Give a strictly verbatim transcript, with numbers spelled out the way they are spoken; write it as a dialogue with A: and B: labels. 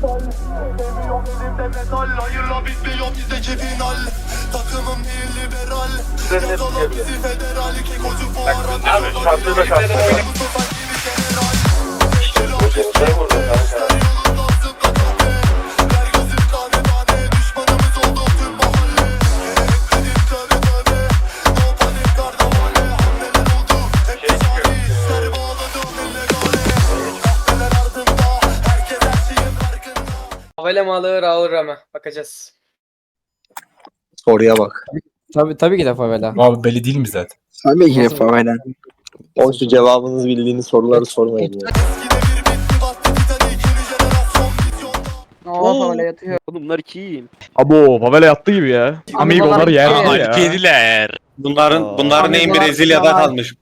A: Seviyorum elimde metal, hayırla bitmiyor bizdeki final. Takımım değil liberal, yazalım bizi federal. Kekocu bu arada
B: Abi şartlı da şartlı.
A: Mustafa gibi general.
B: Gözümüze vurdu kanka.
A: Yolundan zıpla tabi, ver gözüm tane tane. Düşmanımız oldu tüm mahalle. Gerekmedim tövbe tövbe, no panik kardavale. Hamleler oldu, hep ticari işler bağladım illegale. Kahveler ardımda, herkes her şeyin farkında.
C: Favela mı alır alır ama bakacağız.
D: Soruya bak.
E: Tabii tabii ki de favela.
F: Abi belli değil mi zaten?
D: Tabii ki favela. O şu cevabınız bildiğiniz soruları sormayın ya.
A: Eskide bir bitti battı Titanic, yeni jenerasyon vizyonda.
G: Oo favela yatıyor.
H: Oğlum bunlar kim?
I: Abo favela yattı gibi ya. Amigolar yer
G: Aa,
I: ya.
B: Kediler.
J: Bunların
H: Aa.
J: bunların en
G: Amigolar
J: Brezilya'da
G: falan.
J: kalmış.